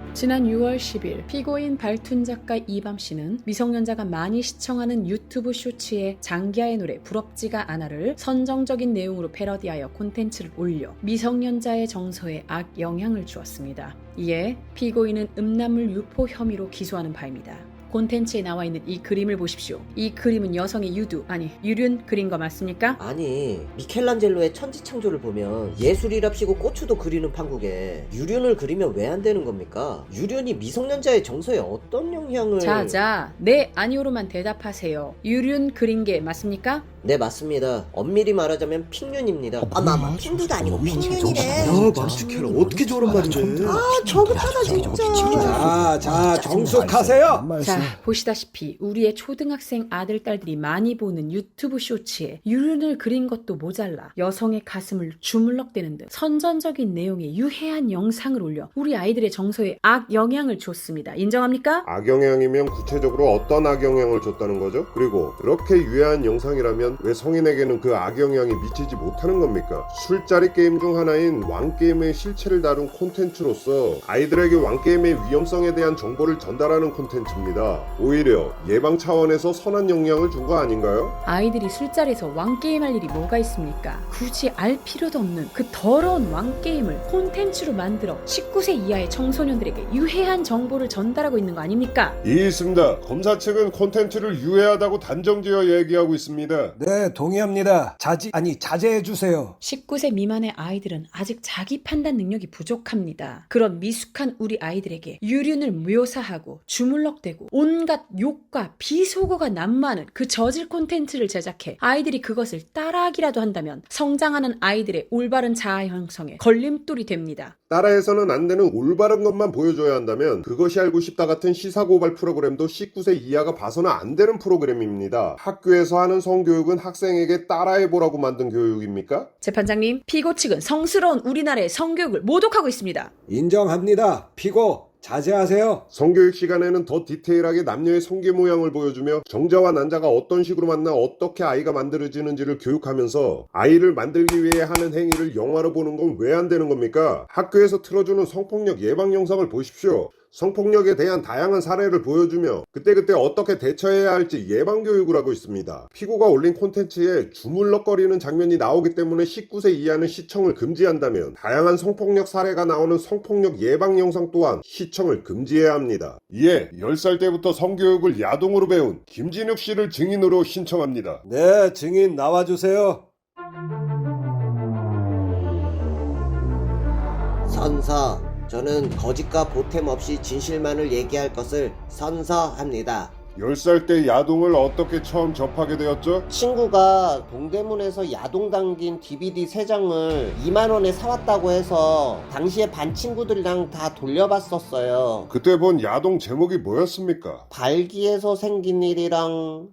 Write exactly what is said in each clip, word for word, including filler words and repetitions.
지난 유월 십일 피고인 발툰 작가 이밤씨는 미성년자가 많이 시청하는 유튜브 쇼츠에 장기하의 노래 부럽지가 않아를 선정적인 내용으로 패러디하여 콘텐츠를 올려 미성년자의 정서에 악영향을 주었습니다. 이에 피고인은 음란물 유포 혐의로 기소하는 바입니다. 콘텐츠에 나와 있는 이 그림을 보십시오. 이 그림은 여성의 유두, 아니 유륜 그린 거 맞습니까? 아니 미켈란젤로의 천지창조를 보면 예술이랍시고 고추도 그리는 판국에 유륜을 그리면 왜 안 되는 겁니까? 유륜이 미성년자의 정서에 어떤 영향을... 자자, 네 아니오로만 대답하세요. 유륜 그린 게 맞습니까? 네 맞습니다. 엄밀히 말하자면 핑륜입니다. 아 마마 핑두도 아니고 핑륜이래. 야 마스케라 어떻게 저런 말을 해? 아 저거잖아 진짜. 자, 자 정숙하세요. 자, 보시다시피 우리의 초등학생 아들, 딸들이 많이 보는 유튜브 쇼츠에 유륜을 그린 것도 모자라 여성의 가슴을 주물럭대는 등 선전적인 내용의 유해한 영상을 올려 우리 아이들의 정서에 악영향을 줬습니다. 인정합니까? 악영향이면 구체적으로 어떤 악영향을 줬다는 거죠? 그리고 그렇게 유해한 영상이라면 왜 성인에게는 그 악영향이 미치지 못하는 겁니까? 술자리 게임 중 하나인 왕게임의 실체를 다룬 콘텐츠로서 아이들에게 왕게임의 위험성에 대한 정보를 전달하는 콘텐츠입니다. 오히려 예방 차원에서 선한 영향을 준 거 아닌가요? 아이들이 술자리에서 왕게임 할 일이 뭐가 있습니까? 굳이 알 필요도 없는 그 더러운 왕게임을 콘텐츠로 만들어 십구 세 이하의 청소년들에게 유해한 정보를 전달하고 있는 거 아닙니까? 이 있습니다. 검사 측은 콘텐츠를 유해하다고 단정지어 얘기하고 있습니다. 네 동의합니다. 자지 아니 자제해 주세요. 십구 세 미만의 아이들은 아직 자기 판단 능력이 부족합니다. 그런 미숙한 우리 아이들에게 유륜을 묘사하고 주물럭대고 온갖 욕과 비속어가 난무하는 그 저질 콘텐츠를 제작해 아이들이 그것을 따라하기라도 한다면 성장하는 아이들의 올바른 자아 형성에 걸림돌이 됩니다. 따라해서는 안 되는 올바른 것만 보여줘야 한다면 그것이 알고 싶다 같은 시사고발 프로그램도 십구 세 이하가 봐서는 안 되는 프로그램입니다. 학교에서 하는 성교육은 학생에게 따라해보라고 만든 교육입니까? 재판장님, 피고 측은 성스러운 우리나라의 성교육을 모독하고 있습니다. 인정합니다. 피고 자제하세요. 성교육 시간에는 더 디테일하게 남녀의 성기 모양을 보여주며 정자와 난자가 어떤 식으로 만나 어떻게 아이가 만들어지는지를 교육하면서 아이를 만들기 위해 하는 행위를 영화로 보는 건 왜 안 되는 겁니까? 학교에서 틀어주는 성폭력 예방 영상을 보십시오. 성폭력에 대한 다양한 사례를 보여주며 그때그때 어떻게 대처해야 할지 예방교육을 하고 있습니다. 피고가 올린 콘텐츠에 주물럭거리는 장면이 나오기 때문에 십구 세 이하는 시청을 금지한다면 다양한 성폭력 사례가 나오는 성폭력 예방 영상 또한 시청을 금지해야 합니다. 이에 열 살 때부터 성교육을 야동으로 배운 김진욱 씨를 증인으로 신청합니다. 네 증인 나와주세요. 선서, 저는 거짓과 보탬 없이 진실만을 얘기할 것을 선서합니다. 열 살 때 야동을 어떻게 처음 접하게 되었죠? 친구가 동대문에서 야동 담긴 디비디 세 장을 이만 원에 사왔다고 해서 당시에 반 친구들이랑 다 돌려봤었어요. 그때 본 야동 제목이 뭐였습니까? 발기에서 생긴 일이랑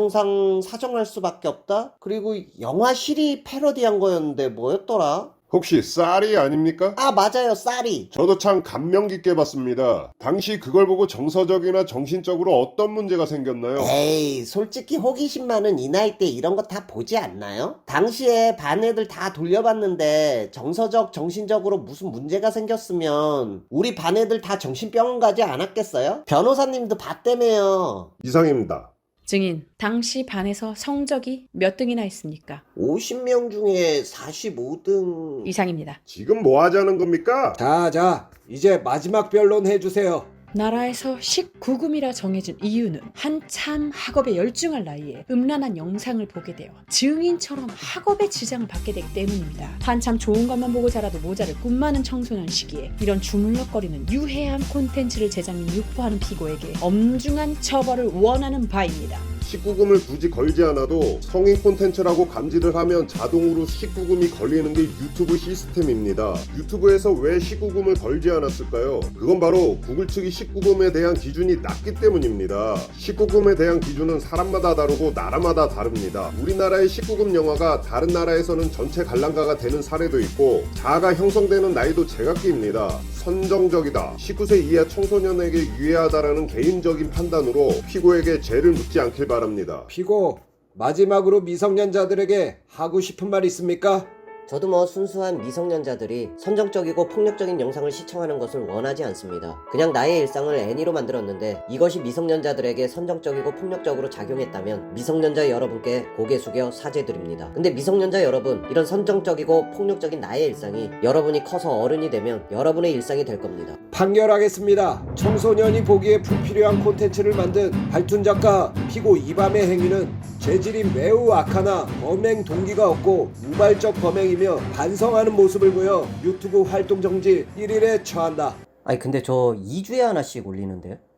인정상 사정할 수밖에 없다? 그리고 영화 실이 패러디한 거였는데 뭐였더라? 혹시 쌀이 아닙니까? 아 맞아요, 쌀이. 저도 참 감명 깊게 봤습니다. 당시 그걸 보고 정서적이나 정신적으로 어떤 문제가 생겼나요? 에이, 솔직히 호기심 많은 이 나이 때 이런 거 다 보지 않나요? 당시에 반 애들 다 돌려봤는데 정서적, 정신적으로 무슨 문제가 생겼으면 우리 반 애들 다 정신병원 가지 않았겠어요? 변호사님도 봤다며요. 이상입니다. 증인, 당시 반에서 성적이 몇 등이나 했습니까? 오십 명 중에 사십오 등... 이상입니다. 지금 뭐 하자는 겁니까? 자자 이제 마지막 변론 해주세요. 나라에서 십구 금이라 정해진 이유는 한참 학업에 열중할 나이에 음란한 영상을 보게 되어 증인처럼 학업에 지장을 받게 되기 때문입니다. 한참 좋은 것만 보고 자라도 모자를 꿈 많은 청소년 시기에 이런 주물럭거리는 유해한 콘텐츠를 제작 및 유포하는 피고에게 엄중한 처벌을 원하는 바입니다. 십구 금을 굳이 걸지 않아도 성인 콘텐츠라고 감지를 하면 자동으로 십구 금이 걸리는 게 유튜브 시스템입니다. 유튜브에서 왜 십구 금을 걸지 않았을까요? 그건 바로 구글 측이 십구 금에 대한 기준이 낮기 때문입니다. 십구 금에 대한 기준은 사람마다 다르고 나라마다 다릅니다. 우리나라의 십구 금 영화가 다른 나라에서는 전체 관람가가 되는 사례도 있고 자아가 형성되는 나이도 제각기입니다. 선정적이다, 십구 세 이하 청소년에게 유해하다라는 개인적인 판단으로 피고에게 죄를 묻지 않길 바랍니다. 피고 마지막으로 미성년자들에게 하고 싶은 말 있습니까? 저도 뭐 순수한 미성년자들이 선정적이고 폭력적인 영상을 시청하는 것을 원하지 않습니다. 그냥 나의 일상을 애니로 만들었는데 이것이 미성년자들에게 선정적이고 폭력적으로 작용했다면 미성년자 여러분께 고개 숙여 사죄드립니다. 근데 미성년자 여러분, 이런 선정적이고 폭력적인 나의 일상이 여러분이 커서 어른이 되면 여러분의 일상이 될 겁니다. 판결하겠습니다. 청소년이 보기에 불필요한 콘텐츠를 만든 발툰 작가 피고 이밤의 행위는 죄질이 매우 악하나 범행 동기가 없고 우발적 범행이며 반성하는 모습을 보여 유튜브 활동 정지 일 일에 처한다. 아니 근데 저 이 주에 하나씩 올리는데요?